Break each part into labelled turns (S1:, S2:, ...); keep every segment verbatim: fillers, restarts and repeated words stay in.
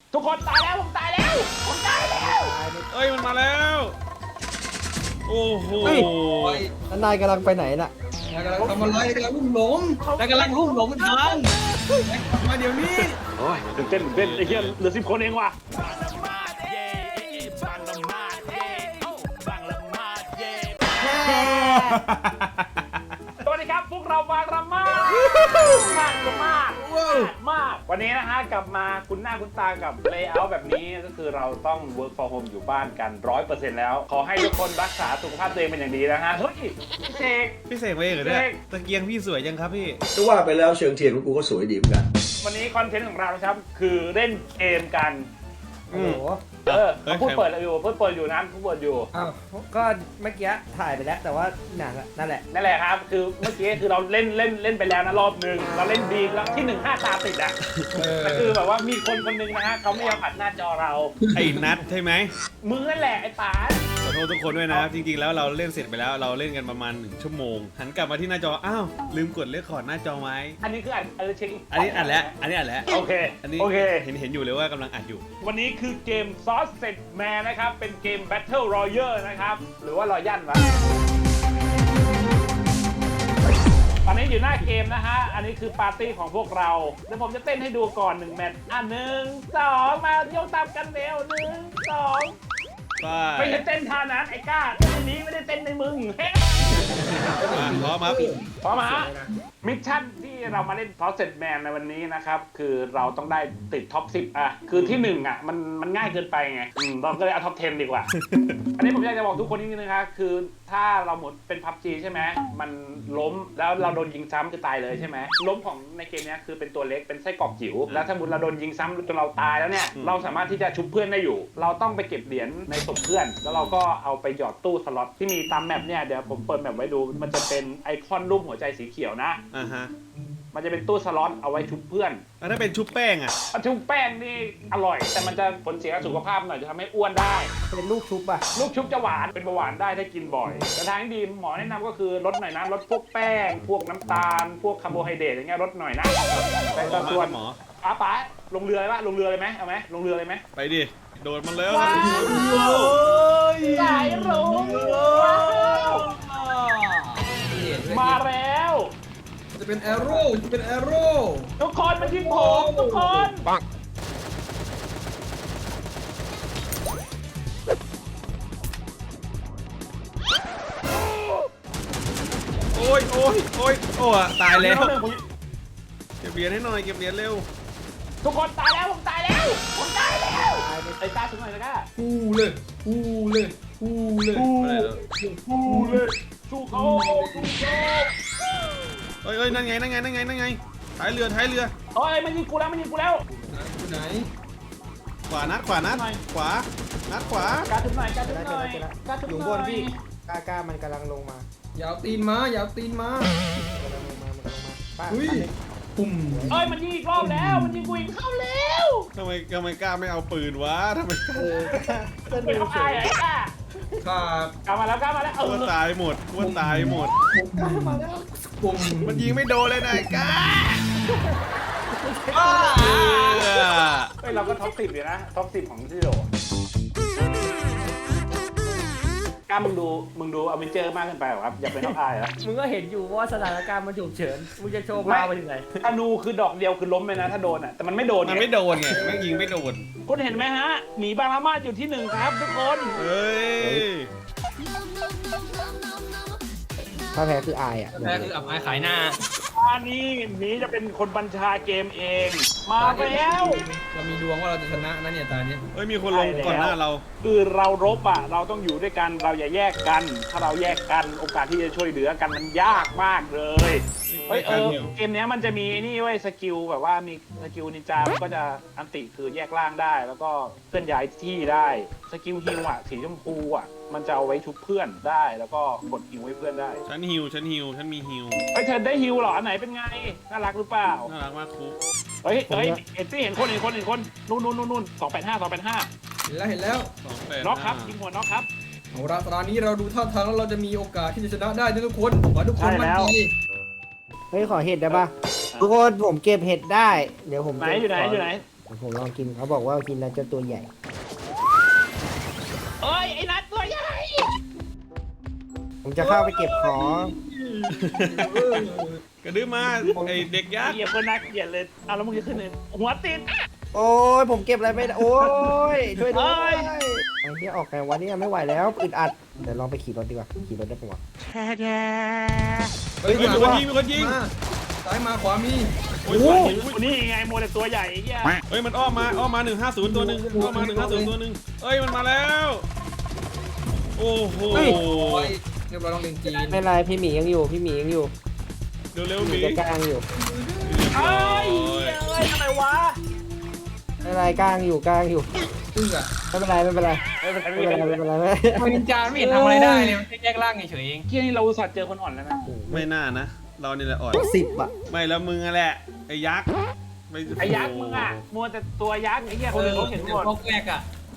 S1: ทุกคนตายแล้วผมตายแล้วผมตายแล้ว
S2: เอ้ยมันมาแล้วโอ้โห
S3: นายกำลังไปไหนน่ะ
S4: นายกำลังทำอะไรกำลังลุ่มหลงนายกำลังลุ่มหลงทางมาเดี๋ยวนี้
S1: โอ้ยตื่นเต้นตื่นเต้นไอ้เหี้ยเหลือสิบคนเองว่ะสวัสดีครับพวกเราบางระมาดมากมากมากวันนี้นะฮะกลับมาคุณหน้าคุณตากับเลเยอร์แบบนี้ก็คือเราต้อง work from home อยู่บ้านกัน ร้อยเปอร์เซ็นต์ แล้วขอให้ทุกคนรักษาสุขภาพตัวเองเป็นอย่างดีนะฮะเฮ้ยพี่เสก
S2: พี่เสกไปเองเหรอเนี่ยตะเกียงพี่สวยจังครับพี่
S5: ก็ว่าไปแล้วเชิงเทียนของกูก็สวยดีเหมือนกัน
S1: วันนี้คอนเทนต์ของเรานะครับคือเล่นเกมกัน
S3: โอ้โห
S1: เออพูดเปิดอยู่พูดเปิดอยู่นะพูดเปิดอยู่
S3: อ้าวก็เมื่อกี้ถ่ายไปแล้วแต่ว่าหนังนั่นแหละ
S1: นั่นแหละครับคือเมื่อกี้คือเราเล่นเล่นเล่นไปแล้วนะรอบหนึ่งเราเล่นดีแล้วที่หนึ่งห้าตาติดอ่ะแต่คือแบบว่ามีคนคนหนึ่งนะฮะเขาไม่ยอมอัดหน้าจอเรา
S2: ไอ้นัทใช่ไหม
S1: มึงนั่นแหละไอ้ป๋า
S2: ขอโทษทุกคนด้วยนะจริงๆแล้วเราเล่นเสร็จไปแล้วเราเล่นกันประมาณหนึ่งชั่วโมงหันกลับมาที่หน้าจออ้าวลืมกดเลคคอร์ดหน้าจอไว้
S1: อันนี้คืออัดอันนี้เช็ค
S2: อันนี้อัดแล้วอันนี้อัดแล้ว
S1: โอเค
S2: อันนี้
S1: โอเค
S2: เห็นเห็นอยู่เลยว่ากำลังอัดอยู่
S1: วันนี้คือเกม Sausage Man นะครับเป็นเกม Battle Royale นะครับหรือว่ารอยัลวะตอนนี้อยู่หน้าเกมนะฮะ อันนี้คือปาร์ตี้ของพวกเราเดี๋ยวผมจะเต้นให้ดูก่อนหนึ่งแมตช์อ่ะหนึ่งสองมาโยกตามกันเร็วหนึ่งสองไม่ใช่เต้นท่านั้นไอ้ก้าเต้นในนี้ไม่ได้เต้นในมึงเฮ้
S2: พร้อมครับ
S1: พร้อมฮะมิชชั่นที่เรามาเล่น Sausage Man ในวันนี้นะครับคือเราต้องได้ติดท็อปสิบอ่ะคือที่หนึ่งอ่ะมันมันง่ายเกินไปไงอืมเราก็เลยเอาท็อปสิบดีกว่า อันนี้ผมอยากจะบอกทุกคนนิดนึงนะครับคือถ้าเราหมดเป็น พับจี ใช่ไหมมันล้มแล้วเราโดนยิงซ้ำคือตายเลยใช่ไหมล้มของในเกมนี้คือเป็นตัวเล็กเป็นไส้กรอกจิ๋วแล้วถ้าสมมติเราโดนยิงซ้ำจนเราตายแล้วเนี่ยเราสามารถที่จะชุบเพื่อนได้อยู่ เราต้องไปเก็บเหรียญในศพเพื่อน แล้วเราก็เอาไปหยอดตู้สล็อตที่มีตามแมปเนี่ยเดี๋ยวผมเปิดแมปไว้ดูมันจะเป็นไอคอนรูปหัวใจสีเขียวนะ
S2: อ่าฮะ
S1: มันจะเป็นตู้สล็อตเอาไว้ชุบเพื่อน
S2: แล้วถ้าเป็นชุบแป้งอ่ะ
S1: ชุบแป้งนี่อร่อย แต่มันจะผลเสียกับสุขภาพหน่อยจะทำให้อ้วนได้
S3: เป็นลูกชุบอ่ะ
S1: ลูกชุบจะหวานเป็นเบาหวานได้ถ้ากินบ่อยแต่ทางที่ดีหมอแนะนำก็คือลดหน่อยนะลดพวกแป้ง พวกน้ำตาล พวกคาร์โบไฮเดรตอย่างเงี้ยลดหน่อยนะแต่ก็ส่วน
S2: หมอ
S1: ป๋าป๋าลงเรือเลยปะลงเรือเลยไหมเอาไหมลงเรือเลยไหม
S2: ไปดิโดดมันแล้ว
S1: ว้าวสายรุ้งมาแล้ว
S4: จะเป็นแอโร่จะเป็นแอโร่
S1: ทุกคนมาที่ผมทุกคนปัง
S2: โอ้ยโอ้ยโอ้ยโอ้ตายแล้วเก็บเหรียญให้หน่อยเก็บเหรียญเร็ว
S1: ทุกคนตายแล้วผมตายแล้วผมตายแล้วไอ้ก้าชุบหน่อยนะก้า
S4: ฟูเลยฟูเลยฟูเลย
S1: สู้เลยสู้เขาสู้เขา
S2: เอ้ยเอ้ยนั่นไงนั่นไงนั่นไงนั่นไงท้ายเรือท้ายเรือ
S1: เฮ้ยมันยิงกูแล้วมันยิงกูแล้ว
S4: อยู่ไหน
S2: ขวานัดขวานัดขวานัดขวา
S1: การชุบหน่อยการชุบ
S3: ได้
S1: หน่อย
S3: ได้ได้
S1: การชุบ
S3: อยู่
S1: ห
S3: บ
S1: น่อน ย
S3: พี่กล้ากล้ามันกำลังลงมา
S4: อย่าเอาตีนมาอย่าเอาตีนมาก
S3: ำลังลงมามันกำลังลงมาป้า
S4: อุ้ย
S3: ป้าเลย
S4: ปุ่ม
S1: เอ้ยมันยิงอีกรอบแล้วมันยิงกูอีกเข้าแล้ว
S2: ทำไมทำไมกล้าไม่เอาปืนวะทำไมกล้า
S3: เออเส้น
S1: ไม่
S3: เร็ว
S1: เข้า
S3: เฉ
S1: อาย
S3: ย
S1: ไอ้ก้า
S4: ขาด
S1: กลับมาแล้วกลับมาแล้วเอ
S2: อ้วน
S1: อ
S2: ตายหมดอ้วนตายหมด
S3: มาแล้ว
S4: ปุ่ม
S2: มันยิงไม่โดนเลยนะไอ้กล้า
S1: เฮ้ยเราก็ท็อปสิบอยู่นะท็อปสิบของที่โดกล้ามึงดูมึงดูอเวนเจอร์มากเกินไปหรอครับอย่าเป็นท็อปอายเหรอ
S6: มึงก็เห็นอยู่ว่าสถานการณ์มันฉุกเฉิน มึงจะโชว์พาวไปถึงไหน
S1: ธนูคือดอกเดียวคือล้มเลยนะถ้าโดนอ่ะแต่มันไม่โดน
S2: มันไม่โดนไงแม่งยิงไม่โดน
S1: คุณเห็นไหมฮะหมีบางละมาดอยู่ที่หนึ่งครับทุกคน
S2: เฮ้ย
S3: ถ้าแพ้คืออายอ่ะ
S6: แพ้คืออับอายขายหน้า
S1: อันนี้หมีจะเป็นคนบัญชาเกมเอง มาแล้ว
S4: เรามีดวงว่าเราจะชนะนะเนี่ยตาเนี้ย
S2: เฮ้ยมีคนลงก่อนหน้าเรา
S1: คือเรารบอ่ะเราต้องอยู่ด้วยกันเราอย่าแยกกัน ถ้าเราแยกกันโอกาสที่จะช่วยเหลือกันมันยากมากเลยเฮ้ยเออเกมนี้มันจะมีนี่เว้ยสกิลแบบว่ามีสกิลนินจามันก็จะอันติคือแยกร่างได้ แล้วก็เคลื่อนย้ายที่ได้สกิลฮิวอ่ะสีชมพูอ่ะมันจะเอาไว้ชุบเพื่อนได้แล้วก็กดฮิวให้เพื่อนได้
S2: ฉันฮิวฉันฮิวฉันมีฮิว
S1: เฮ้ยเธอได้ฮิวเหรออันไหนเป็นไงน่ารักหรือเปล่า
S2: น่ารักมากครู
S1: เฮ้ยเฮ้ยเห็นสิเห็นคนเห็นคนเห็นคนนู่นนู่นนู่นนู่นสองแปดห้าสองแปดห้า
S4: เห็นแล้วเห็นแล้ว
S2: สองแปด
S1: น็อกครับยิงหัวน็อกครับ
S4: เอาละตอนนี้เราดูท่าทางแล้วเราจะมีโอกาสที่จะชนะได้นะทุกคนขอให้ทุกคน
S1: ใช่
S4: มั่
S1: แล้
S4: น
S1: ว
S4: ใจ
S3: เฮ้ยขอเห็ดได้ปะทุกคนผมเก็บเห็ดได้ เดี๋ยวผม
S1: ไหนอยู่ไหนอยู่ไหน
S3: ผมลองกินเขาบอกว่ากินแล้วจะตัวใหญ่
S1: เอ้ยไอ้นัดตัวใหญ่
S3: ผมจะเข้าไปเก็บของ
S2: กระดื้อมาไอเด็กยักษ์
S1: เหยียบคนนักเหยียดเลยเอาแล้วมึงจะขึ้นเลยหัวติด
S3: โอ้ยผมเก็บอะไรไม่ได้โอ้ยช่วยด้วย
S1: เอ้ย
S3: ไอ้ที่ออกไงวันนี้ไม่ไหวแล้วอึดอัดเดี๋ยวลองไปขี่รถดีกว่าขี่รถได้ปะวะ
S4: เฮ้ย
S2: มีคนยิงมีคนยิง
S4: มาซ้ายมาขวามี
S2: โอ้ย
S1: นี่ไงโมเดลตัวใหญ่ไอ้เหี้ย
S2: เฮ้ยมันอ้อมมาอ้อมมาหนึ่งห้าศูนย์ตัวหนึ่งอ้อมมาหนึ่งห้าศูนย์ตัวหนึ่งเอ้ยมันมาแล้วโอ้โห
S4: โอ้ยเรียบร้อยต้องเรียนจีน
S3: ไม่เป็นไรพี่หมียังอยู่พี่หมียังอยู่
S2: เร็วเร็วๆห
S3: หมี
S2: มี
S3: จะกลางอยู่
S1: เอ้ยเอ้ยทำไมวะ
S3: ไม่เป็นไรกลางอยู่กลางอยู่
S4: พึ่งอะ
S3: ไม่เป็นไรไม่เป็นไร
S1: ไม่เป็นไร
S3: ไม่
S1: ไม่
S3: เป็
S1: เป็น น
S3: ไร
S1: ไร
S3: ไม่เป็นไรไม่
S4: ทำไมนินจาไม่เห็นทำอะไรได้เลยมันแค่แยกร่างเฉยๆเอง
S1: เที่ยนี่เราอุตส่าห์เจอคนอ่อนแล้วนะ
S2: ไม่น่านะ เรานี่แหละอ่อน
S3: สิบอ่ะ
S2: ไม่แล้วมึงอะแหละไอ้ยักษ์ม่
S1: ไอ้ยักษ์มึงอ่ะมัวแต่ตัวยักษ์ไอ้เหี้ยคนอื่นเขาเห็นหมด
S4: พวกแรกอะ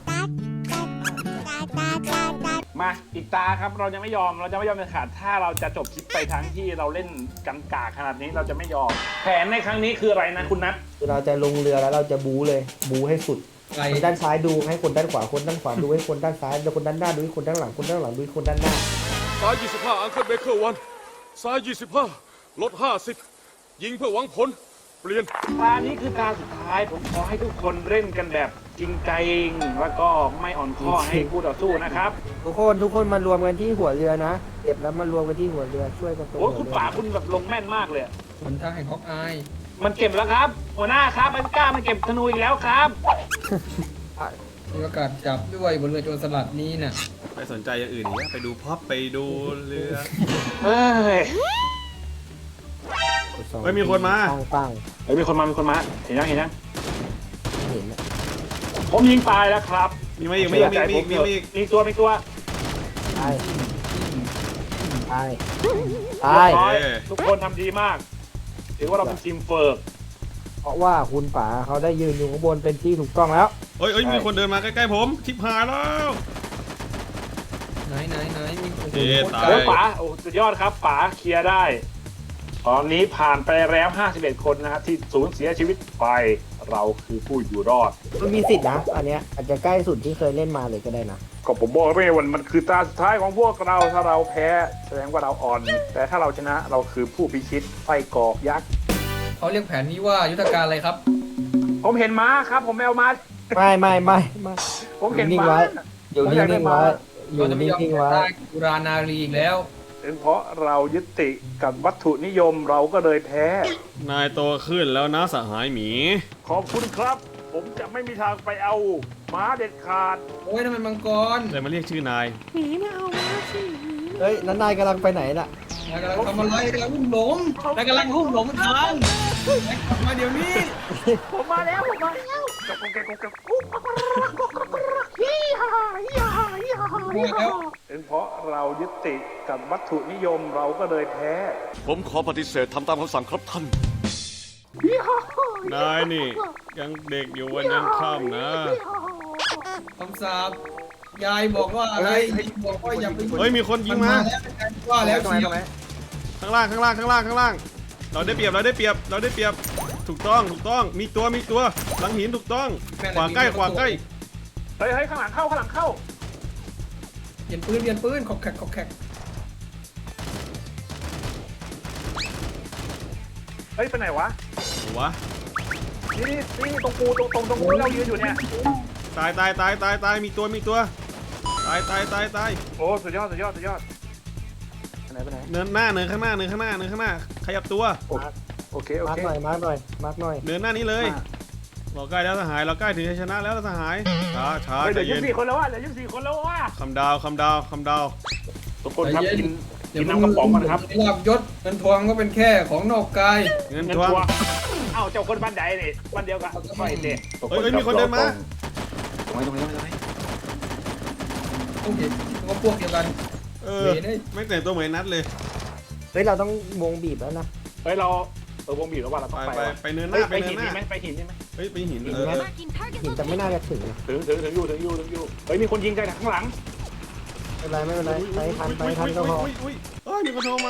S1: มาอีกตาครับเราจะไม่ยอมเราจะไม่ยอมเด็ดขาดถ้าเราจะจบคลิปไปทั้งที่เราเล่นกันกากขนาดนี้เราจะไม่ยอม แผนในครั้งนี้คืออะไรนะคุณนัท
S3: คือเราจะลงเรือแล้วเราจะบูเลยบูให้สุด
S4: ไกล
S3: คนด้านซ้ายดูให้คนด้านขวาคนด้านขวาดูให้คนด้านซ้ายแล้วคนด้านหน้าดูให้คนด้านหลังคนด้านหลังดูให้คนด้านหน้า
S7: ซ้ายยี่สิบห้าอังเคิลเบเกอร์วันซ้ายยี่สิบห้าลดห้าสิบยิงเพื่อหวังผล เปลี่ยน
S1: ตานี้คือตาสุดท้ายผมขอให้ทุกคนเล่นกันแบบจริงใจแล้วก็ไม่อ่อนข้อให้คู่ต่อสู้นะครับ
S3: ทุกคนทุกคนมารวมกันที่หัวเรือนะเก็บแล้วมารวมกันที่หัวเรือช่วยกันตัว
S1: โอ้ย
S3: หั
S1: คุ
S3: ว
S1: ณ
S3: เรือ
S1: ป่าคุณแบบลงแม่นมากเลย
S4: หนทางแห่งฮอกอาย
S1: มันเก็บแล้วครับ หัวหน้าครับมันกล้ามันเก็บธนูอีกแล้วครับ
S4: มีโอกาสจับด้วยบนเรือโจรสลัดนี้น่ะ
S2: ไปสนใจอย่างอื่นอีกไปดูพ็อปไปดูเรือ
S1: เฮ้ย
S2: เฮ้ยมีคนมา
S3: ปังปัง
S1: เฮ้ยมีคนมามีคนมาเห็นยังเห็นยัง
S3: เห็นนะ
S1: ผมยิงตายแล้วครับ
S2: มีไหมอีกมีอีกมีอีกมีอีกมีอีก
S1: มีตัวมีตัว
S3: ตายตายตาย
S1: เรีบร้อยทุกคนทำดีมากถือว่าเราเป็นทีมเฟิร์ก
S3: เพราะว่าคุณป๋าเขาได้ยืนอยู่ข้างบนเป็นที่ถูกต้องแล้ว
S2: เฮ้ยเฮ้ยมีคนเดินมาใกล้ๆผมชิบหายแล้ว
S4: ไหนไหนไหนมีโอ้โห
S2: เอ๊ะตาย
S1: โอ้ยป๋าโอ้สุดยอดครับป๋าเคลียร์ได้ ตอนนี้ผ่านไปแล้วห้าสิบเอ็ดคนนะครับที่สูญเสียชีวิตไปเราคือผู้อยู่รอด
S3: มันมีสิทธินะอันเนี้ยอาจจะใกล้สุดที่เคยเล่นมาเลยก็ได้นะ
S1: ก็ผมบอกแล้วไม่วันมันคือตาสุดท้ายของพวกเราถ้าเราแพ้แสดงว่าเราอ่อน แต่ถ้าเราชนะเราคือผู้พิชิตไส้กรอกยักษ์
S4: เขาเรียกแผนนี้ว่ายุทธการอะไรครับ
S1: ผมเห็นม้าครับ ผมไม่เอาม้า
S3: ไม่ไม่ไม่ไม่
S1: ผมเห็น
S3: นิ่ง
S1: ม้า
S3: ไว้อยู่นิ่งๆไว้อยู่
S4: เราจะไม่ยอม
S3: นิ่งๆ
S4: แพ้
S3: ไว้
S4: ได้กุรานารีอีกแล้ว
S1: เป็นเพราะเรายึดติดกับวัตถุนิยมเราก็เลยแพ้
S2: นายโตขึ้นแล้วนะสหายหมี
S1: ขอบคุณครับ ผมจะไม่มีทางไปเอาม้าเด็ดขาด
S4: โอ้ยทำไมมังกร
S2: เลยมาเรียกชื่อนาย
S3: เฮ้ยนั้นนายกำลังไปไหนน่ะ
S4: นายกำลังทำอะไรกำลังลุ่มหลงนายกำลังลุ่มหลงทางนายกลับมาเดี๋ยวนี้
S1: ผมมาแล้วผมมาแล้วกับกงแกกงแกกุ๊กยี่ห้ายี่ห้ายี่ห้า
S4: มาแล้ว
S1: เป็นเพราะเรายึดติดกับวัตถุนิยมเราก็เลยแพ้
S7: ผมขอปฏิเสธทำตามคำสั่งครับท่าน
S2: นายนี่ยังเด็กอยู่วันยังค่ำนะ
S4: คำสาปยายบอกว่าอะไรบอกว่าอย่าไป
S2: เฮ้ยมีคนยิงมา
S4: ว่าแล้วเชียว
S2: ข้างล่างข้างล่างข้างล่างข้างล่าง เราได้เปรียบเราได้เปรียบเราได้เปรียบถูกต้องถูกต้องมีตัวมีตัวหลังหินถูกต้องขวาใกล้ขวาใกล้
S1: เฮ้ยเฮ้ยข้างหลังเข้าข้างหลังเข้า
S4: เปลี่ยนปืนเปลี่ยนปืนขอกแขกขอกแขก
S1: เฮ้ยไปไหนวะ
S2: วะ
S1: นี่นี่นี่ตรงปูตรงตรงตรงปูที่เรายืนอยู่เนี่ย
S2: ตายตายตายตายตายมีตัวมีตัวตายตายตายตาย
S1: โอ้สุดยอดสุดยอดสุดยอดไปไหนไปไหน
S2: เนินหน้าเนินข้างหน้าเนินข้างหน้าเนินข้างหน้าขยับตัว
S1: โอเคโอ
S3: มาร์ก
S1: เค
S3: หน่อยมาร์กหน่อยมาร์กหน่อย
S2: เนินหน้านี้เลยเราใกล้แล้วสหายเราใกล้ถึงชัยชนะแล้วสหายช้าช้า
S1: เฮ้ย
S2: ใจ
S1: เหลือยี่
S2: เย็น
S1: สิบสี่คนแล้วว่ะเหลือยี่สิบสี่คนแล้วว่ะ
S2: คำดาวคำดาวคำดาว
S1: ทุกคนครับกินกินน้ำกระป๋องก่อนนะครับ
S4: ลาบยศเงินทองก็เป็นแค่ของนอกกาย
S2: เงิน
S1: เงิน
S2: ทวง
S1: ทัวร์เอ้าเจ้าคนบ้านใดนี่บ้านเดียวกันไม่เด็
S2: เฮ้ยเฮ้ยมีคนเดินมา
S1: ตรงนี้ตรงนี้ตรงนี้
S4: โอเคก็พวกเดียวกัน
S2: เออไม่แต่งตัวเหมือนนัดเลย
S3: เฮ้ยเราต้องวงบีบแล้วนะ
S1: เฮ้ยเราเออวงบีบแล้วว่าเรา
S2: ไป
S1: ต้องไป
S2: ไป
S1: ว่ะ
S2: ไปเนินห
S1: เฮ้
S2: น้าย ไป
S1: ไป
S2: เนิ
S1: หิน
S2: นห
S1: นี่
S2: น้า
S1: ไหมไปหินนี่ไหม
S2: เฮ้ยไปหิน
S3: หิน
S2: เอ
S3: ไหม
S2: อ
S3: หินแต่ไม่น่าจะถึงนะ
S1: ถึงถึงถึงอยู่ถึงอยู่ถึงอยู่เฮ้ยมีคนยิงจากข้างหลัง
S3: ไม่เป็นไรไม่เป็นไรไปทันไปทันก็พอ
S2: อุ้ยอุ้ยเอ้ยมีคนโทรมา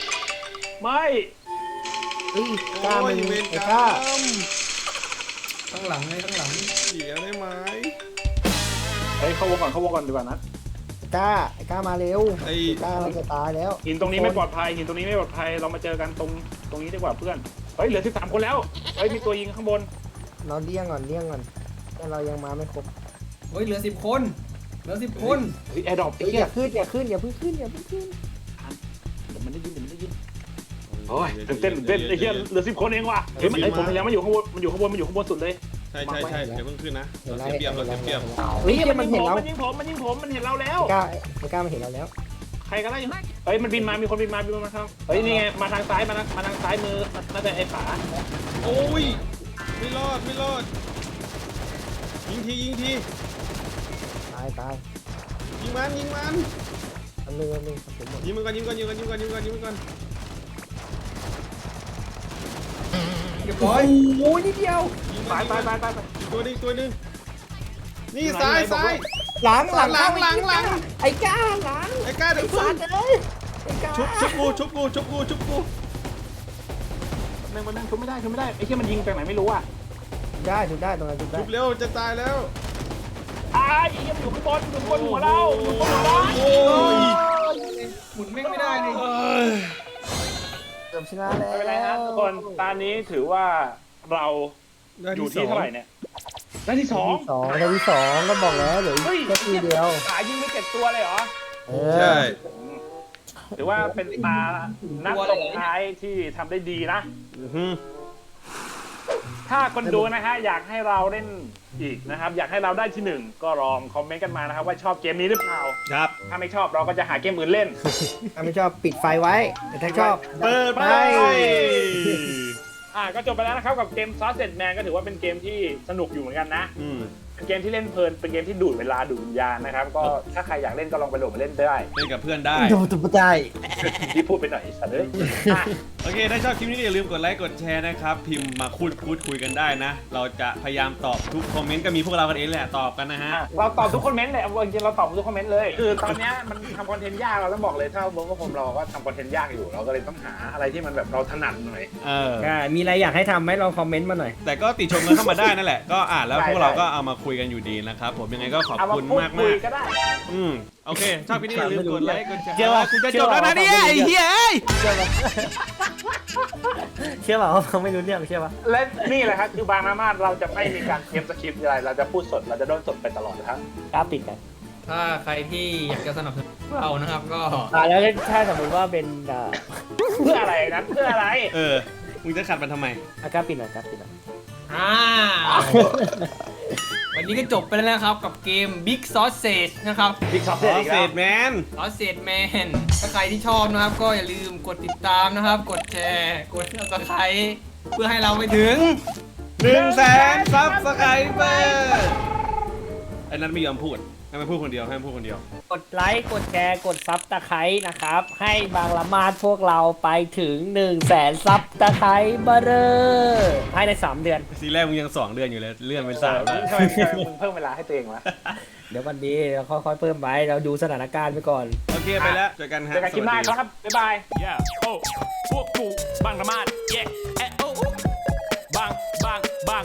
S1: ไม่
S3: เฮ้ยกล้า
S2: โอ้
S3: มึ
S2: ย
S3: ง
S2: เวร
S3: ไอ้
S2: ก
S3: กล้าร
S2: รมท
S4: ข้างหลังไงข้างหลัง
S2: เสียได้ไหม
S1: เฮ้ยเข้าวงก่อนเข้าวงก่อนดีกว่านะ
S3: ไอ้ก้าไอ้ก้ามาเร็ว
S2: ไอ้
S3: ไอ้ก้าเราจะตายแล้ว
S1: หินตรงนี้ไม่ปลอดภัยหินตรงนี้ไม่ปลอดภัยเรามาเจอกันตรงตรงนี้ดีกว่าเพื่อนเฮ้ยเหลือสิบสามคนแล้วเฮ้ยมีตัวยิงข้างบน
S3: เราเลี่ยงก่อนเลี่ยงก่อนแต่เรายังมาไม่ครบ
S4: เฮ้ยเหลือสิบคนเหลือสิบคน
S1: เฮ้ยแอร์ดรอปไอ้
S3: เฮ้ย
S1: เหี้
S3: อย ย่าขึ้นอย่าขึ้นอย่าเพิ่งขึ้นอย่าเพิ่งขึ้น
S1: เดี๋ยวมันได้ยินเดี๋ยวมันได้ยินโอ้ยตื่นเต้นตื่นเต้นไอ้เหี้ยเหลือสิบคนเองว่ะเฮ้ยมันไอ้ผมพยายามมาอยู่ข้างบนมันอยู่ข้างบนมันอยู่ข้างบนสุดเลย
S2: ใช่ใช่ใช่เดี๋ยวเพิ่งขึ้นนะเราเสียเปรียบเราเสียเปรียบ
S3: เฮ้ยมัน
S1: ยิง
S3: เห็น
S1: ผม
S3: เรา
S1: มันยิงผมมันยิงผมมันเห็นเราแล้ว
S3: ไอ้ก้าไอ้ก้ามันเห็นเราแล้ว
S1: ใครกันได้เฮ้ยมันบินมามีคนบินมาบินมาทางเฮ้ยนี่ไงมาทางซ้ายมาทางมาทางซ้ายมือน่าจะไอ้ป๋า
S2: โอ้ยไม่รอดไม่รอดยิงทียิงที
S3: ตายตาย
S2: ยิงมันยิงมัน
S3: อันนึงอันนึงผมหมด
S2: ยิงมันก่อนยิงก่อนยิงก่อนยิงก่อนยิงก่อนยิงก่อน
S4: เรียบร้อย
S3: โอ้ยนิดเดียว
S2: ยิง
S1: ตายตายตายตาย
S2: อีกตัวนึงอีกตัวนึงนี่ซ้ายซ้าย
S3: หลังหลัง
S2: หลังหลังหลัง
S3: ไอ้ก้าหลัง
S2: ไอ้ก้าเดี๋ยวพึ่
S3: สาง ดเลยไอ้ก้า
S2: ชุบชุบกูชุบกูชุบกูชุบกู
S1: หนึ่งมันนั่งชุบไม่ได้ชุบไม่ได้ไอ้เหี้ยมันยิงไปไหนไม่รู้อ่ะ
S3: ได้ถูกได้ตรงนั้นถูกได้
S2: ชุบเร็วจะตายแล้ว
S1: อ้าไอ้เหี้ยมันอยู่ข้างบนอยู่ข้างบนหัวเราอยู่ข้างบนหัวเรา
S2: โอ้ย
S4: หมุนแม่งไม่ได้เลย
S2: เอ้ย
S3: เกือบชนะแล้ว
S1: ไม่เป็นไรครับทุกคนตอนนี้ถือว่าเรา
S2: ได้
S1: อยู่
S2: ที่ส
S1: ที่
S2: อง
S1: เท่าไหร่เนี่ยได้ที่สอง
S3: สองได้ที่สองก็บอกแล้วเดี๋ยว
S1: เฮ้ย
S3: อีกแค่ทีเดียว
S1: ขายิงไม่เจ็ดตัวเลยเหรอ
S3: เอ
S2: ใช่
S3: อ
S1: ถือว่าเป็นตานัดส่งท้ายที่ทำได้ดีนะ
S2: อื้อหือ
S1: ถ้าคนดูนะฮะอยากให้เราเล่นอีกนะครับ อยากให้เราได้ที่หนึ่งก็ลองคอมเมนต์กันมานะครับว่าชอบเกมนี้หรือเปล่า
S2: ครับ
S1: ถ้าไม่ชอบเราก็จะหาเกมอื่นเล่น
S3: ถ้าไม่ชอบปิดไฟไว้แต่ถ้าชอบ
S2: เปิดไป
S1: อ่ะก็จบไปแล้วนะครับกับเกม Sausage Man ก็ถือว่าเป็นเกมที่สนุกอยู่เหมือนกันนะ
S2: อืม
S1: เป็นเกมที่เล่นเพลินเป็นเกมที่ดูดเวลาดูดวิญญาณนะครับก็ถ้าใครอยากเล่นก็ลองไปโหลดมาเล่นได้
S2: เล่นกับเพื่อนได้
S3: โดนตุบใจ
S1: ที่พูดไปหน่อยสัตว์เลยอ่ะ
S2: โอเค ถ้าชอบคลิปนี้อย่าลืมกดไลค์กดแชร์นะครับ พิมพ์มาพูดพูดคุยกันได้นะ เราจะพยายามตอบทุกคอมเมนต์ก็มีพวกเรากันเองแหละตอบกันนะฮะ
S1: อ่ะเราตอบทุกคอมเมนต์เลยเอาจริงๆเราตอบทุกคอมเมนต์เลยคือตอนเนี้ยมันทำคอนเทนต์ยากเราต้องบอกเลยถ้าเวิร์กผมเราก็ทำคอนเทนต์ยากอยู่เราก็เลยต้องหาอะไรที่มันแบบเราถนัดหน่อย
S2: เออ
S6: อ่ามีอะไรอยากให้ทำไหมลองคอมเมนต์มาหน่อย
S2: แต่ก็ติชมกันเข้ามาได้นั่นแหละ ก็อ่านแล้ว
S1: ได้
S2: พวกเรา
S1: ได้
S2: ก็เอามาคุยกันอยู่ดีนะครับผมยังไงก็ขอบ
S1: เอามา
S2: คุณ
S1: พูด
S2: มาก
S1: คุ
S2: มาย ก
S1: ก็ได้
S2: อืมโอเค ชอบคลิปนี้อย่าลืมกดไลค์กดแชร์
S6: เชื่อว่า
S2: กูจะจบแล้วนะเนี่ยไอ้เหี้ยเอ้ย
S6: เชื่อเปล่าว่าเขาไม่รู้เรื่องเชื่อป่ะ
S1: และนี่แหละครับคือบางนามาเราจะไม่มีการเตรียมสคริปต์อะไรเราจะพูดสดเราจะโดนสดไปตลอดนะครับ
S6: กล้าปิดกัน
S4: ถ้าใครที่อยากจะสนับสนุนเรานะครับก็
S6: อ่าแล้วถ้าสมมติว่าเป็นอ่า
S1: เพื่ออะไรนั้นเพื่ออะไร
S2: เออมึงจะขัดมันทำไม
S6: อ่ะกล้าปิดหน่อยกล้าปิดหน่อย
S4: อ่าวันนี้ก็จบไปแล้วนะครับกับเกม Big Sausage นะครับ
S1: บิ๊กซอฟ
S2: ข
S1: เสร็จ
S2: อ
S1: อีก
S2: เศ
S1: แล้ว
S2: ษแมน
S4: Sausage Man ถ้าใครที่ชอบนะครับ ก็อย่าลืมกดติดตามนะครับ กดแชร์กด Subscribe เพื่อให้เราไปถึง
S2: หนึ่งแสนซับสไครเบอร์ไอ้นั้นไม่ยอมพูดให้มันพูดคนเดียวให้มันพูดคนเดียว
S6: กดไลค์กดแชร์กดซับตะไคร้นะครับ ให้บางละมาดพวกเราไปถึง1นึ่งแสนซับตะไคร้เบอร์เรอร์ภายในสามเดือน
S2: ซีแรกมึงยังสองเดือนอยู่เลยเลื่อนเป็น
S1: เอ
S2: สาม
S1: อ
S2: แล้ว
S1: ทำไมทำไมมึงเพิ่มเวลาให้ตัวเองวะ
S6: เดี๋ยววันนี้เราค่อยๆเพิ่มไปเราดูสถานการณ์ไปก่อน
S2: โอเคไปแล้วเจอกันฮะ
S1: เจอกันคลิปหน้า
S2: สวัสดี
S1: ครับ บ๊ายบาย
S8: Yeah, oh, พวกกูบางระมาด yeah, eh, oh, บางบางบาง